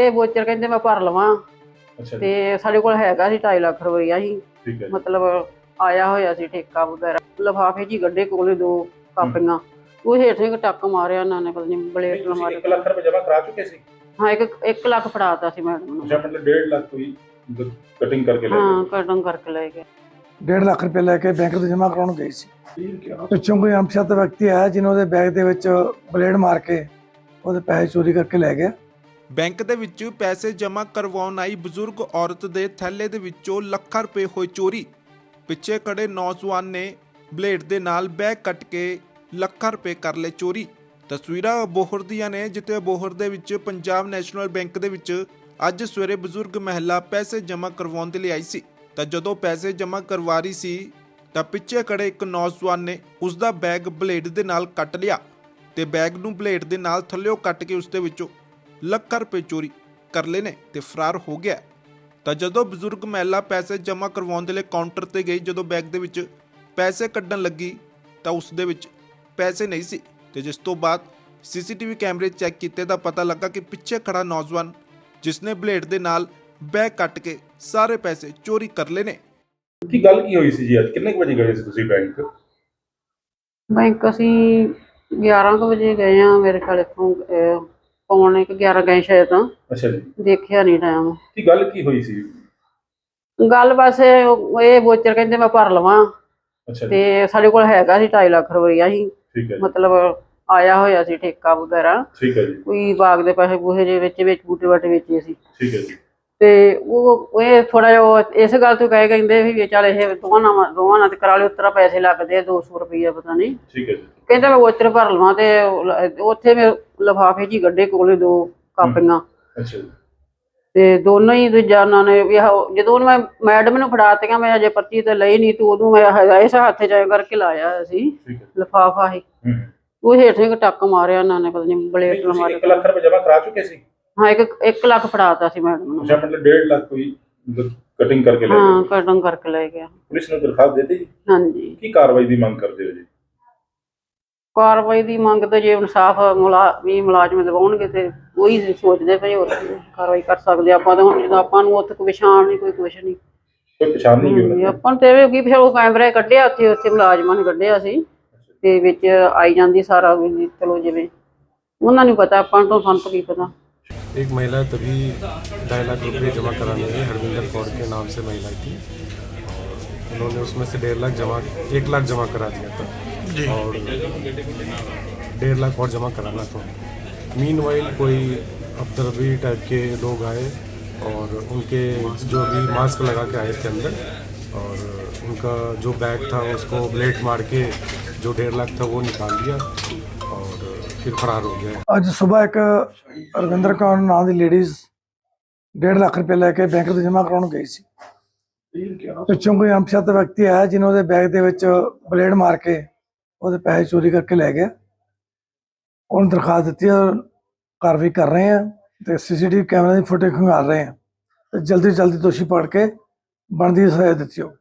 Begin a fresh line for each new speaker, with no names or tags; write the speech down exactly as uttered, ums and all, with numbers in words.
ਇਹ ਵੋਚਰ ਕਹਿੰਦੇ ਮੈਂ ਭਰ ਲਵਾਂ
ਅੱਛਾ ਜੀ,
ਤੇ ਸਾਡੇ ਕੋਲ ਹੈਗਾ ਸੀ ਢਾਈ ਲੱਖ ਰੁਪਈਆ ਸੀ।
ਠੀਕ ਹੈ ਜੀ।
ਮਤਲਬ ਆਇਆ ਹੋਇਆ ਸੀ ਠੇਕਾ ਵਗੈਰਾ, ਲਿਫਾਫੇ 'ਚ ਹੀ ਗੱਡੇ ਕੋਲੇ ਦੋ ਕਾਪੀਆਂ, ਉਹ ਹੇਠ ਇੱਕ ਟੱਕ ਮਾਰਿਆ ਉਹਨਾਂ ਨੇ, ਪਤਾ ਨਹੀਂ ਬਲੇਡ ਨਾਲ
ਤੁਸੀਂ
ਮਾਰਿਆ।
ਇੱਕ ਲੱਖ ਰੁਪਏ ਜਮ੍ਹਾਂ ਕਰਾ ਚੁੱਕੇ ਸੀ?
ਹਾਂ, ਇੱਕ ਇੱਕ ਲੱਖ ਫੜਾਤਾ ਸੀ ਮੈਡਮ ਨੂੰ।
ਅੱਛਾ, ਮਤਲਬ ਡੇਢ ਲੱਖ ਕੋਈ ਕਟਿੰਗ ਕਰਕੇ ਲੈ
ਹਾਂ,
ਗਏ?
ਕਟਿੰਗ ਕਰਕੇ ਲੈ ਗਏ।
डेढ़ लाख रुपए लेके बैंक ਤੋਂ ਜਮ੍ਹਾਂ ਕਰਾਉਣ ਗਈ ਸੀ। ਪਿੱਛੋਂ ਕੋਈ ਅਣਪਛਾਤ ਵਿਅਕਤੀ ਆਇਆ ਜਿਨ੍ਹਾਂ ਦੇ ਬੈਗ ਦੇ ਵਿੱਚ ਬਲੇਡ ਮਾਰ ਕੇ ਉਹਦੇ ਪੈਸੇ ਚੋਰੀ ਕਰਕੇ ਲੈ ਗਿਆ।
ਬੈਂਕ ਦੇ ਵਿੱਚ ਪੈਸੇ ਜਮ੍ਹਾਂ ਕਰਵਾਉਣ ਆਈ ਬਜ਼ੁਰਗ ਔਰਤ ਦੇ ਥੈਲੇ ਦੇ ਵਿੱਚੋਂ ਲੱਖਾਂ ਰੁਪਏ ਹੋਏ ਚੋਰੀ। ਪਿੱਛੇ ਖੜੇ ਨੌਜਵਾਨ ਨੇ ਬਲੇਡ ਦੇ ਨਾਲ ਬੈਗ ਕੱਟ ਕੇ ਲੱਖਾਂ ਰੁਪਏ ਕਰ ਲਏ ਚੋਰੀ। ਤਸਵੀਰਾਂ ਬੋਹਰ ਦੀਆਂ ਨੇ, ਜਿੱਥੇ ਬੋਹਰ ਦੇ ਵਿੱਚ ਪੰਜਾਬ ਨੈਸ਼ਨਲ ਬੈਂਕ ਦੇ ਵਿੱਚ ਅੱਜ ਸਵੇਰੇ ਬਜ਼ੁਰਗ ਮਹਿਲਾ ਪੈਸੇ ਜਮ੍ਹਾਂ ਕਰਵਾਉਣ ਦੇ ਲਈ ਆਈ ਸੀ। ਤਾਂ ਜਦੋਂ ਪੈਸੇ ਜਮ੍ਹਾਂ ਕਰਵਾ ਰਹੀ ਸੀ ਤਾਂ ਪਿੱਛੇ ਖੜੇ ਇੱਕ ਨੌਜਵਾਨ ਨੇ ਉਸ ਦਾ ਬੈਗ ਬਲੇਡ ਦੇ ਨਾਲ ਕੱਟ ਲਿਆ ਤੇ ਬੈਗ ਨੂੰ ਬਲੇਡ ਦੇ ਨਾਲ ਥੱਲਿਓਂ ਕੱਟ ਕੇ ਉਸ ਦੇ ਵਿੱਚੋਂ ਲੱਖਾਂ ਰੁਪਏ ਚੋਰੀ ਕਰ ਲਏ ਨੇ ਤੇ ਫਰਾਰ ਹੋ ਗਿਆ। ਤਾਂ ਜਦੋਂ ਬਜ਼ੁਰਗ ਮਹਿਲਾ ਪੈਸੇ ਜਮ੍ਹਾਂ ਕਰਵਾਉਣ ਦੇ ਲਈ ਕਾਊਂਟਰ ਤੇ ਗਈ, ਜਦੋਂ ਬੈਗ ਦੇ ਵਿੱਚ ਪੈਸੇ ਕੱਢਣ ਲੱਗੀ ਤਾਂ ਉਸ ਦੇ ਵਿੱਚ ਪੈਸੇ ਨਹੀਂ ਸੀ ਤੇ ਜਿਸ ਤੋਂ ਬਾਅਦ ਸੀਸੀਟੀਵੀ ਕੈਮਰੇ ਚੈੱਕ ਕੀਤੇ ਤਾਂ ਪਤਾ ਲੱਗਾ ਕਿ ਪਿੱਛੇ ਖੜਾ ਨੌਜਵਾਨ ਜਿਸਨੇ ਬਲੇਡ ਦੇ ਨਾਲ ਬੈਗ ਕੱਟ ਕੇ ਸਾਰੇ ਪੈਸੇ ਚੋਰੀ ਕਰ ਲਏ ਨੇ।
ਕੀ ਗੱਲ ਕੀ ਹੋਈ ਸੀ ਜੀ? ਅੱਜ ਕਿੰਨੇ ਕੁ ਵਜੇ ਗਏ ਸੀ ਤੁਸੀਂ ਬੈਂਕ?
ਬੈਂਕ ਅਸੀਂ ਗਿਆਰਾਂ ਕੁ ਵਜੇ ਗਏ ਆ, ਮੇਰੇ ਖਿਆਲ ਇੱਥੋਂ ਪੌਣੇ ਕੁ ਗਿਆਰਾਂ ਗਏ ਸ਼ਾਇਦ, ਤਾਂ
ਅੱਛਾ ਜੀ,
ਦੇਖਿਆ ਨਹੀਂ ਟਾਈਮ।
ਕੀ ਗੱਲ ਕੀ ਹੋਈ ਸੀ?
ਗੱਲ ਬਸ ਇਹ ਇਹ ਵੋਚਰ ਕਹਿੰਦੇ ਮੈਂ ਭਰ ਲਵਾਂ
ਅੱਛਾ ਜੀ,
ਤੇ ਸਾਡੇ ਕੋਲ ਹੈਗਾ ਸੀ ਢਾਈ ਲੱਖ ਰੁਪਈਆ ਸੀ।
ਠੀਕ ਹੈ ਜੀ,
ਮਤਲਬ ਆਇਆ ਹੋਇਆ ਸੀ ਠੇਕਾ ਵਗੈਰਾ,
ਠੀਕ ਹੈ ਜੀ,
ਕੋਈ ਬਾਗ ਦੇ ਪੈਸੇ ਪੂਸੇ ਦੇ ਵਿੱਚ ਵਿੱਚ ਬੂਟੇ ਬਾਟੇ ਵੇਚੇ ਸੀ।
ਠੀਕ ਹੈ ਜੀ,
ਤੇ ਉਹ ਇਹ ਥੋੜਾ ਜਿਹਾ ਉਹ ਇਸ ਗੱਲ ਤੋਂ ਕਹੇ ਕਹਿੰਦੇ ਵੀ ਚੱਲ ਇਹ ਦੋਵਾਂ ਨਾਲ ਦੋਵਾਂ ਨਾਲ ਤੇ ਕਰਾ ਲਿਓ, ਉਤਰਾ ਪੈਸੇ ਲੱਗਦੇ ਆ ਦੋ ਸੌ ਰੁਪਈਆ ਪਤਾ ਨਹੀਂ।
ਠੀਕ ਹੈ ਜੀ,
ਕਹਿੰਦਾ ਮੈਂ ਵੋਚਰ ਭਰ ਲਵਾਂ ਤੇ ਉੱਥੇ ਮੈਂ ਲਿਫਾਫੇ 'ਚ ਹੀ ਗੱਡੇ ਕੋਲੇ ਦੋ ਕਾਪੀਆਂ,
ਅੱਛਾ ਜੀ,
ਤੇ ਦੋਨੋਂ ਹੀ ਦੂਜਾ ਉਹਨਾਂ ਨੇ ਵੀ ਆਹ ਜਦੋਂ ਮੈਂ ਮੈਡਮ ਨੂੰ ਫੜਾਤੀਆਂ, ਮੈਂ ਅਜੇ ਪਰਚੀ ਤੇ ਲਈ ਨਹੀਂ, ਤੇ ਉਦੋਂ ਮੈਂ ਇਸ ਹੱਥ 'ਚ ਐਂ ਕਰਕੇ ਲਾਇਆ ਸੀ
ਠੀਕ ਹੈ।
ਲਿਫਾਫਾ ਹੀ,
ਹੂੰ,
ਉਹ ਹੇਠ ਇੱਕ ਟੱਕ ਮਾਰਿਆ ਉਹਨਾਂ ਨੇ, ਪਤਾ ਨਹੀਂ ਬਲੇਡ ਨਾਲ
ਤੁਸੀਂ
ਮਾਰਿਆ।
ਇੱਕ ਲੱਖ ਰੁਪਏ ਜਮ੍ਹਾਂ ਕਰਾ ਚੁੱਕੇ ਸੀ?
ਹਾਂ, ਇੱਕ ਇੱਕ ਲੱਖ ਫੜਾਤਾ ਸੀ ਮੈਡਮ ਨੂੰ।
ਅੱਛਾ, ਮਤਲਬ ਡੇਢ ਲੱਖ ਕੋਈ ਕਟਿੰਗ ਕਰਕੇ ਲੈ
ਹਾਂ,
ਗਏ?
ਕਟਿੰਗ ਕਰਕੇ ਲੈ ਗਿਆ।
ਪੁਲਿਸ ਨੂੰ ਦਰਖਾਸਤ ਦੇ ਦਿੱਤੀ ਜੀ?
ਹਾਂਜੀ,
ਕੀ ਕਾਰਵਾਈ ਦੀ ਮੰਗ ਕਰਦੇ ਹੋ ਜੀ?
ਕਾਰਵਾਈ ਦੀ ਮੰਗ ਤੇ ਜੇ ਇਨਸਾਫ ਮੁਲਾ ਵੀ ਮੁਲਾਜ਼ਮ ਦਿਵਾਉਣਗੇ ਤੇ ਉਹੀ ਸੋਚਦੇ ਪਏ, ਹੋਰ ਕੀ ਕਾਰਵਾਈ ਕਰ ਸਕਦੇ ਆਪਾਂ। ਤਾਂ ਹੁਣ ਜਦੋਂ ਆਪਾਂ ਨੂੰ ਉੱਥੇ ਕੋਈ ਪਛਾਣ ਨਹੀਂ, ਕੋਈ ਕੁਛ ਨਹੀਂ,
ਕੋਈ ਪਛਾਣ ਨਹੀਂ ਗਈ?
ਆਪਾਂ ਨੂੰ ਤੇ ਇਹ ਕੀ ਫਿਰ ਉਹ ਕੈਮਰੇ ਕੱਢਿਆ ਉੱਥੇ ਉੱਥੇ ਮੁਲਾਜ਼ਮਾਂ ਨੇ ਕੱਢਿਆ ਸੀ ਤੇ ਵਿੱਚ ਆਈ ਜਾਂਦੀ ਸਾਰਾ ਵੀ, ਚਲੋ ਜਿਵੇਂ ਉਹਨਾਂ ਨੂੰ ਪਤਾ, ਆਪਾਂ ਨੂੰ ਸਾਨੂੰ ਕੀ ਪਤਾ।
एक महिला तभी ढाई लाख रुपए जमा कराने गई, हरविंदर कौर के नाम से महिला थी, और उन्होंने उसमें से डेढ़ लाख जमा एक लाख जमा करा दिया था और डेढ़ लाख और जमा कराना था। मीनवाइल कोई अफदरबी टाइप के लोग आए और उनके जो भी मास्क लगा के आए थे अंदर, और उनका जो बैग था उसको ब्लेड मार के जो डेढ़ लाख था वो निकाल दिया और फिर फरार हो गया।
ਅੱਜ ਸਵੇਰ ਇੱਕ ਰਵਿੰਦਰ ਕੌਰ ਨਾਂ ਦੀ ਲੇਡੀਜ਼ डेढ़ ਲੱਖ ਰੁਪਏ ਲੈ ਕੇ ਬੈਂਕ ਤੋਂ ਜਮ੍ਹਾਂ ਕਰਾਉਣ ਗਈ ਸੀ। ਪਿੱਛੋਂ ਕੋਈ ਅਣਪਛਾਤ ਵਿਅਕਤੀ ਆਇਆ ਜਿਨ੍ਹਾਂ ਦੇ ਬੈਗ ਦੇ ਵਿੱਚ ਬਲੇਡ ਮਾਰ ਕੇ ਉਹਦੇ ਪੈਸੇ ਚੋਰੀ ਕਰਕੇ ਲੈ ਗਿਆ। ਉਹਨੂੰ ਦਰਖਾਸਤ ਦਿੱਤੀ ਔਰ ਕਾਰਵਾਈ ਕਰ ਰਹੇ ਹਾਂ ਤੇ ਸੀਸੀਟੀਵੀ ਕੈਮਰੇ ਦੀ ਫੁਟੇਜ ਖੰਗਾਲ ਰਹੇ ਹਾਂ ਤੇ ਜਲਦੀ ਤੋਂ ਜਲਦੀ ਦੋਸ਼ੀ ਪਕੜ ਕੇ ਬਣਦੀ ਸਜ਼ਾ ਦਿੱਤੀ ਜਾਊ।